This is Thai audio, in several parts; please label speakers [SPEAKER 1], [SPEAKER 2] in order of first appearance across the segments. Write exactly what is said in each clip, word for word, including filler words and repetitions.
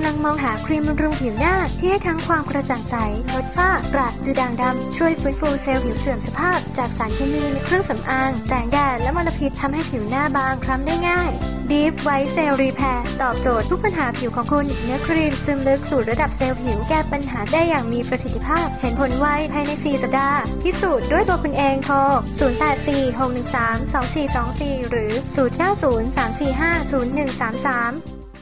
[SPEAKER 1] ลังมองหาครีมบำรุงผิวหน้าที่ให้ทั้งความกระจ่างใสลดฝ้ากระดูด่างดำช่วยฟื้นฟูเซลล์ผิวเสื่อมสภาพจากสารเคมีในเครื่องสำอางแสงแดดและมลพิษทำให้ผิวหน้าบางคล้ำได้ง่าย Deep White Cell Repair ตอบโจทย์ทุกปัญหาผิวของคุณเนื้อครีมซึมลึกสู่ระดับเซลล์ผิวแก้ปัญหาได้อย่างมีประสิทธิภาพเห็นผลไวภายในสี่สัปดาห์พิสูจน์ด้วยตัวคุณเองโทรศูนย์ แปด สี่ หก หนึ่ง สาม สอง สี่ สอง สี่หรือศูนย์ เก้า ศูนย์ สาม สี่ ห้า ศูนย์ หนึ่ง สาม สาม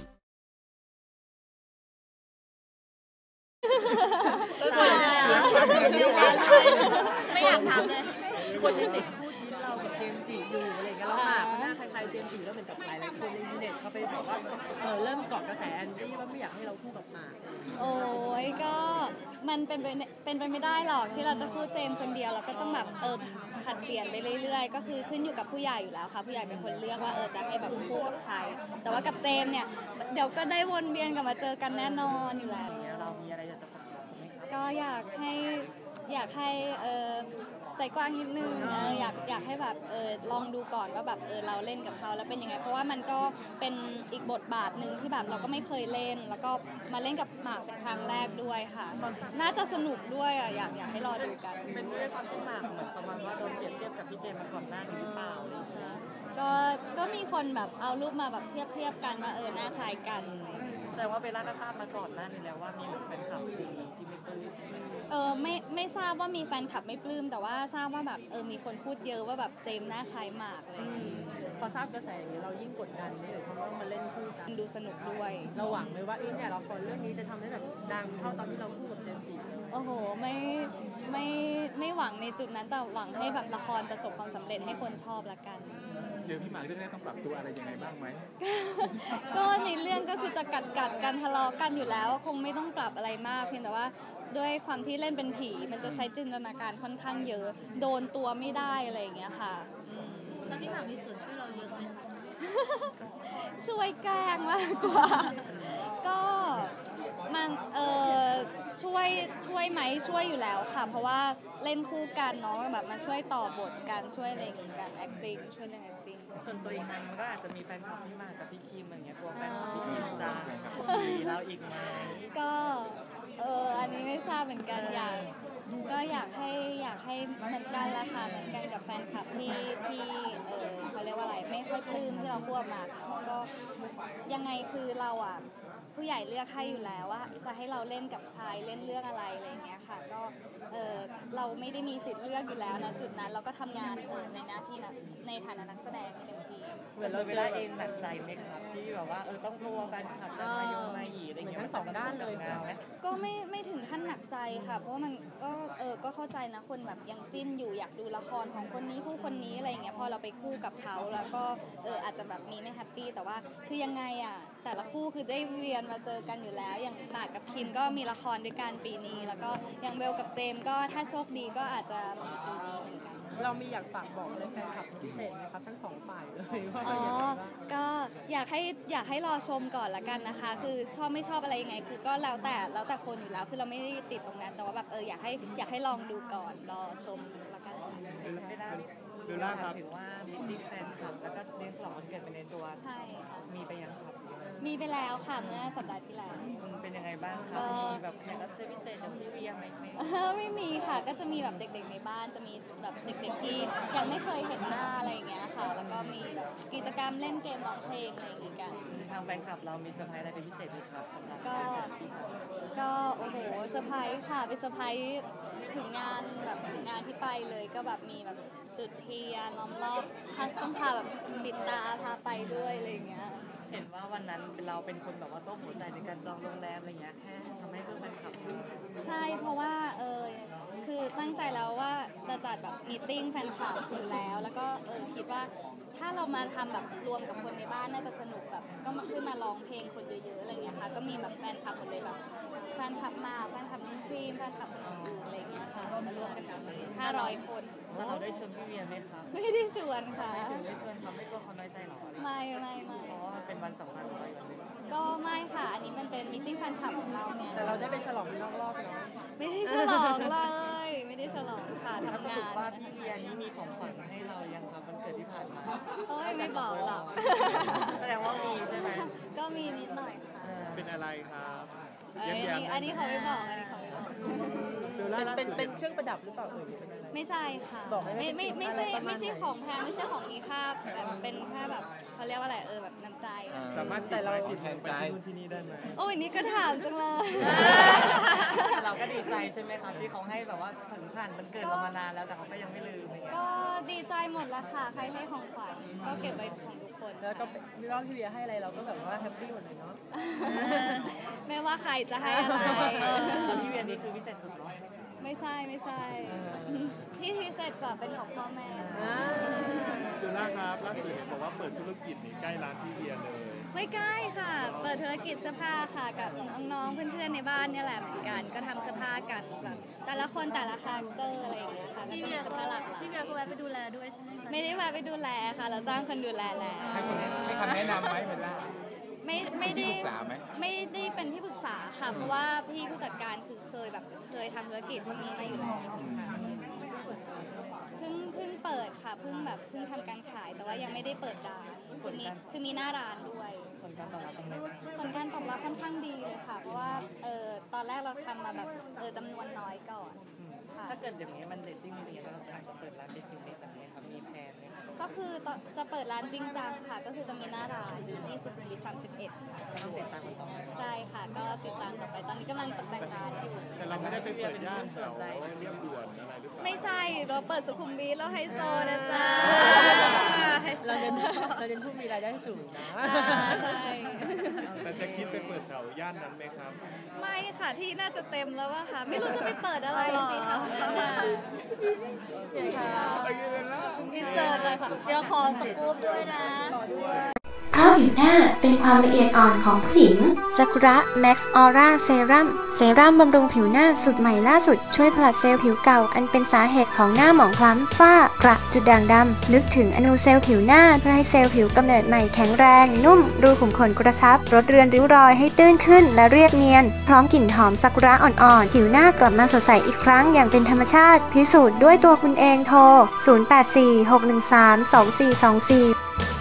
[SPEAKER 2] ไม่อยากถามเลย
[SPEAKER 3] คนยังติดคู่จิ้นเรากับเจมส์จิอยู่อะไรเงี้ยแล้วหมากหน้าคล้ายๆเจมส์จิแล้วเหมือนกับหลายๆคนในอินเทอร์เน็ตเขาไปบอกว่าเออเริ่มเกาะกระแสแอนตี้ว่าไม่อยากให้เราคู่กับหมาก
[SPEAKER 2] โอ้ยก็มันเป็นไปเป็นไปไม่ได้หรอกที่เราจะคู่เจมส์คนเดียวเราก็ต้องแบบเออผัดเปลี่ยนไปเรื่อยๆก็คือขึ้นอยู่กับผู้ใหญ่อยู่แล้วค่ะผู้ใหญ่เป็นคนเลือกว่าเออจะให้แบบคู่กับใครแต่ว่ากับเจมส์เนี่ยเดี๋ยวก็ได้วนเวียนกลับมาเจอกันแน่นอนอยู่แล้ว
[SPEAKER 3] เรามีอะไรอยากจะฝากบอกไหมครับ
[SPEAKER 2] ก็อยากให้อยากให้เออใจกว้างนิดนึงเอออยากอยากให้แบบเออลองดูก่อนว่าแบบเออเราเล่นกับเขาแล้วเป็นยังไงเพราะว่ามันก็เป็นอีกบทบาทหนึ่งที่แบบเราก็ไม่เคยเล่นแล้วก็มาเล่นกับหมากเป็นครั้งแรกด้วยค่ะน่าจะสนุกด้วยอ่ะอยากอยากให้รอดูกัน
[SPEAKER 3] เป็นด้วยความที่หมากเหมือนประมาณว่าโดนเปรียบเทียบกับพี่เจมมาก่อนหน้านี้หรือเปล่าใช่
[SPEAKER 2] ก็ก็มีคนแบบเอารูปมาแบบเทียบเทียบกันว่าเออหน้าคล้ายกัน
[SPEAKER 3] แต่ว่าเบลล่าก็ทราบมาก่อนหน้านี้แล้วว่ามีเหมือนแฟนคลับที่ไม่ปลื้ม
[SPEAKER 2] เออไม่ไม่ทราบว่ามีแฟนคลับไม่ปลื้มแต่ว่าทราบว่าแบบเออมีคนพูดเยอะว่าแบบเจมหน้าคล้ายหมากเลย
[SPEAKER 3] พอทราบกระแสอย่างนี้เรายิ่งกดดันเลยเพราะต้องมาเล่นคู่กัน
[SPEAKER 2] ดูสนุกด้วย
[SPEAKER 3] เราหวังเลยว่าเอ๊ะเนี่ยละครเรื่องนี้จะทำให้แบบดังเท่าตอนที่เราคู่กับเจมส์จิ
[SPEAKER 2] โอ้โหไม่ไม่ไม่หวังในจุดนั้นแต่หวังให้แบบละครประสบความสำเร็จให้คนชอบละกัน
[SPEAKER 4] เดี๋ยวพี่หมากเรื่องนี้ต้องปรับตัวอะไรยังไงบ้างไหม
[SPEAKER 2] ก็ในเรื่องก็คือจะกัดกัดกันทะเลาะกันอยู่แล้วคงไม่ต้องปรับอะไรมากเพียงแต่ว่าด้วยความที่เล่นเป็นผีมันจะใช้จินตนาการค่อนข้างเยอะโดนตัวไม่ได้อะไรอย่างเงี้ยค่ะ
[SPEAKER 5] แล้วพี่หมากมีส่วนช่วยเราเยอะไหม
[SPEAKER 2] ช่วยแกล้งมากกว่าก็มันเออช่วยช่วยไหมช่วยอยู่แล้วค่ะเพราะว่าเล่นคู่กันเนาะแบบมาช่วยต่อบทกันช่วยอะไรอย่างงี้กัน acting ช่วยเรื่อง acting
[SPEAKER 3] ส่วนตัวเองนั้นมันก็อาจจะมีแฟนคลับพี่หมากกับพี่คิมอย่างเงี้ยกลัวแฟนคลับพี่คิมจะมีเราอีกไหม
[SPEAKER 2] ก็เอออันนี้ไม่ทราบเหมือนกันอยากก็อยากให้อยากให้เหมือนกันราคาเหมือนกันกับแฟนคลับที่ที่เออเขาเรียกว่าอะไรไม่ค่อยปลื้มที่เราพูดมาก็ยังไงคือเราอ่ะผู้ใหญ่เลือกให้อยู่แล้วว่าจะให้เราเล่นกับใครเล่นเรื่องอะไรอะไรอย่างเงี้ยค่ะก็เออเราไม่ได้มีสิทธิ์เลือกอยู่แล้วนะจุดนั้นเราก็ทำงานเออในหน้าที่นะในฐานะนักแสดงเต็มที่
[SPEAKER 3] เหมือนเราเวลาเองหนักใจไหมครับที่แบบว่าเออต้องกลัวแฟนคลับจะมาโยงมาหยีอะไรอย่างเงี้ยทั้งสองด้านเลยนะ
[SPEAKER 2] ก็ไม่ไม่ถึงขั้นหนักใจค่ะเพราะว่ามันก็เออก็เข้าใจนะคนแบบยังจิ้นอยู่อยากดูละครของคนนี้ผู้คนนี้อะไรอย่างเงี้ยพอเราไปคู่กับเขาแล้วก็เอออาจจะแบบมีไม่แฮปปี้แต่ว่าคือยังไงอ่ะแต่ละคู่คือได้เรียนมาเจอกันอยู่แล้วอย่างหมากกับคิมก็มีละครด้วยกันปีนี้แล้วก็อย่างเบลกับเจมก็ถ้าโชคดีก็อาจจะมีปีนี้เหมือนกัน
[SPEAKER 3] เรามีอยากฝากบอกอะไรแฟนคลับพิเศษไหมครับทั้งสองฝ่ายเลยว่า
[SPEAKER 2] อ๋อก็อยากให้อยากให้รอชมก่อนละกันนะคะคือชอบไม่ชอบอะไรยังไงคือก็แล้วแต่แล้วแต่คนอยู่แล้วคือเราไม่ได้ติดตรงนั้นแต่ว่าแบบเอออยากให้อยากให้ลองดูก่อนรอชมละกัน
[SPEAKER 3] ไม่ได้ดูล่าครับถือว่ามิติ้งแฟนคลับแล้วก็เลี้ยงฉลองวันเกิดไปในตัว
[SPEAKER 2] ใช่ค่ะ
[SPEAKER 3] มีไปยังครับ
[SPEAKER 2] มีไปแล้วค่ะเมื่อสัปดาห์ที่แล้ว
[SPEAKER 3] เป็นยังไงบ้างคะมีแบบแขกรับเชิญพิเศษอย่างพี่เวียไหม
[SPEAKER 2] ไม่มีค่ะก็จะมีแบบเด็กๆในบ้านจะมีแบบเด็กๆที่ยังไม่เคยเห็นหน้าอะไรอย่างเงี้ยค่ะแล้วก็มีแบบกิจกรรมเล่นเกมร้องเพลงอะไรอย่างเงี้ยกัน
[SPEAKER 3] ทางแฟนคลับเรามีเซอร์ไพรส์อะไรเป็นพิเศษไหมครับ
[SPEAKER 2] ก็ก็โอ้โหเซอร์ไพรส์ค่ะเป็นเซอร์ไพรส์ถึงงานแบบถึงงานที่ไปเลยก็แบบมีแบบจุดเทียนล้อมรอบต้องพาแบบปิดตาพาไปด้วยอะไรอย่างเงี้ย
[SPEAKER 3] เห็นว่าวันนั้นเราเป็นคนแบบว่าต้มหัวใจในการจองโรงแรมอะไรเงี้ยแค่ทำให้เพื่อนแฟนคลับ
[SPEAKER 2] ใช่เพราะว่าเออคือตั้งใจแล้วว่าจะจัดแบบมีติ้งแฟนคลับอยู่แล้วแล้วก็เออคิดว่าถ้าเรามาทำแบบรวมกับคนในบ้านน่าจะสนุกแบบก็มาขึ้นมาร้องเพลงคนเยอะๆอะไรเงี้ยค่ะก็มีแบบแฟนคลับหมดเลยแบบแฟนคลับมาแฟนคลับน้องครีมแฟนคลับน้องอูอะไรเงี้ยค่ะมารวมกันกันห้าร้อยคน
[SPEAKER 3] แล้วเราได้ชวนพี่เวียไหมครับ
[SPEAKER 2] ไม่ได้ชวนค่ะ
[SPEAKER 3] ไม่ถึงได้ชวนทำให้ตัวเขาน้อยใจหรอ
[SPEAKER 2] ไม่ไม่ไม่
[SPEAKER 3] เพราะว่าเป็นวันสำคัญของเราอย่างนึง
[SPEAKER 2] ก็ไม่ค่ะอันนี้มันเป็นมิติ้งแฟนคลับของเราเนี่ย
[SPEAKER 3] แต่เราได้ไปฉลองนอกรอบเนาะ
[SPEAKER 2] ไม่ได้ฉลองเลยไม่ได้ฉลองค่ะทำงาน
[SPEAKER 3] ว่าพี่เวียนี้มีของขวัญให้เรายังครับวันเกิดที่ผ่านมา
[SPEAKER 2] โอ้ยไม่บอกหรอก
[SPEAKER 3] แสดงว่ามีใช่ไหม
[SPEAKER 2] ก็มีนิดหน่อยค่ะ
[SPEAKER 6] เป็นอะไรครับ
[SPEAKER 2] เอ้ยอันนี้อันนี้เขาไม่บอกอันนี้เขาไม่บอก
[SPEAKER 3] เป็นเป็นเป็นเครื่องประดับหรือเปล่าเอ่ยหรือเป็นอะไร
[SPEAKER 2] ไม่ใช่ค่ะ
[SPEAKER 3] บอกได้ไหม
[SPEAKER 2] ไม่ไม่ไม่ใช่
[SPEAKER 3] อะไรประมาณ
[SPEAKER 2] ไม่ใช่ของแพงไม่ใช่ของมีค่าแบบเป็นแค่แบบเขาเรียกว่าอะไรเออแบบน้ำใจ
[SPEAKER 6] สามารถ
[SPEAKER 3] แต่เรา
[SPEAKER 6] ติดแทนใจที่นู่นที่นี่ได้ไหม
[SPEAKER 2] โอ้ยนี่ก็ถามจังเลย
[SPEAKER 3] เราก็ดีใจใช่ไหมครับที่เขาให้แบบว่าถึงผ่านมันเกิดเรามานานแล้วแต่เขาก็ยังไม่ลืมอะไรเงี้ย
[SPEAKER 2] ก็ดีใจหมดละค่ะใครให้ของขวัญก็เก็บไว้ของทุกคน
[SPEAKER 3] แล้วก็ไม่ว่าพี่เวียให้อะไรเราก็แบบว่าแฮปปี้หมดเลยเนาะ
[SPEAKER 2] ไม่ว่าใครจะให้อะไร
[SPEAKER 3] แล้วพี่เวียนี่คือพิเศษสุดเนาะ
[SPEAKER 2] ไม่ใช่ไม่ใช่ที่พิเศษกว่าเป็นของพ่อแม่
[SPEAKER 6] ดูล่าครับล่าสุดเห็นบอกว่าเปิดธุรกิจนี่ใกล้ร้านพี่เวียเลย
[SPEAKER 2] ไม่ใกล้ค่ะ เปิดธุรกิจเสื้อผ้าค่ะกับน้องๆเพื่อนๆในบ้านเนี่ยแหละเหมือนกันก็ทำเสื้อผ้ากันแบบแต่ละคนแต่ละคาแรคเตอร์อะไรอย่างเงี้ยค่ะก็
[SPEAKER 5] พี่
[SPEAKER 2] จะ
[SPEAKER 5] เวี
[SPEAKER 2] มี
[SPEAKER 5] ย
[SPEAKER 2] เสื้อ
[SPEAKER 5] ก็
[SPEAKER 2] ผ้าหลากหลาย
[SPEAKER 5] พี่เวียก็แวะไปดูแลด้วยใช่ไหมคะ
[SPEAKER 2] ไม่ได้แวะไปดูแลค่ะเราจ้างคนดูแลแล้ว
[SPEAKER 4] ให้คนให้คำแนะนำไหมเบลล่า
[SPEAKER 2] ไม่ไม่ได้
[SPEAKER 4] ที่ปรึกษาไหม
[SPEAKER 2] ไม่ได้เป็นที่ปรึกษาค่ะ เพราะว่าพี่ผู้จัดการคือเคยแบบเคยทำธุรกิจพวกนี้มาอยู่แล้วค่ะเพิ่งเพิ่งเปิดค่ะเพิ่งแบบเพิ่งทำการขายแต่ว่ายังไม่ได้เปิดร้านคือมีคือมีหน้าร้านด้วย
[SPEAKER 3] ผลการตอบรับเป็นไงบ้าง
[SPEAKER 2] ผลการตอบรับค่อนข้างดีเลยค่ะ เพราะว่าเออตอนแรกเราทำมาแบบเออจำนวนน้อยก่อนค่ะ
[SPEAKER 3] ถ้าเกิดอย่างนี้มันเดทติ้งมีอะไรเราจะเปิดร้านเดทติ้งในต่างประเทศครับมีแพลนไหมครับ
[SPEAKER 2] ก็คือจะเปิดร้านจริงจังค่ะ ก็คือจะมีหน้าร้านอยู่ที่สุขุมวิทสามสิบเอ็ดค่ะ
[SPEAKER 3] ก็ต้องติดตามกันต่อไป
[SPEAKER 2] ใช่ค่ะ ก็ติดตามต่อไปตอนนี้กำลังตกแต่งร้านอยู่
[SPEAKER 6] แต่เราไม่ได้ไปเปิดย่านแถวเรียบด่วนอะไรหรือเปล่า
[SPEAKER 2] ไม่ใช่เราเปิดสุขุมวิทแล้วไฮโซนะจ๊ะ
[SPEAKER 3] เราเน้นเราเน้นผู้มีรายได้สูงนะ
[SPEAKER 2] อ่าใช่
[SPEAKER 6] แต่จะคิดไปเปิดแถวย่านนั้นไหมครับ
[SPEAKER 2] ไม่ค่ะที่น่าจะเต็มแล้วว่าค่ะ ไม่รู้จะไปเปิดอะไรสิคะ
[SPEAKER 3] โอเคค่ะ
[SPEAKER 5] อินเสิร์ตเลยค่ะ เดี๋ยวขอสกู๊ปด้วยนะ
[SPEAKER 1] เพราะผิวหน้าเป็นความละเอียดอ่อนของผู้หญิงซากุระแม็กซ์ออร่าเซรั่มเซรั่มบำรุงผิวหน้าสูตรใหม่ล่าสุดช่วยผลัดเซลล์ผิวเก่าอันเป็นสาเหตุของหน้าหมองคล้ำฝ้ากระจุดด่างดำลึกถึงอนูเซลล์ผิวหน้าเพื่อให้เซลล์ผิวกำเนิดใหม่แข็งแรง นุ่ม รูขุมขนกระชับลดเรือนริ้วรอยให้ตื้นขึ้นและเรียบเนียน พร้อมกลิ่นหอมซากุระอ่อนๆผิวหน้ากลับมาสดใสอีกครั้งอย่างเป็นธรรมชาติพิสูจน์ด้วยตัวคุณเองโทรศูนย์ แปด สี่ หก หนึ่ง สาม สอง สี่ สอง สี่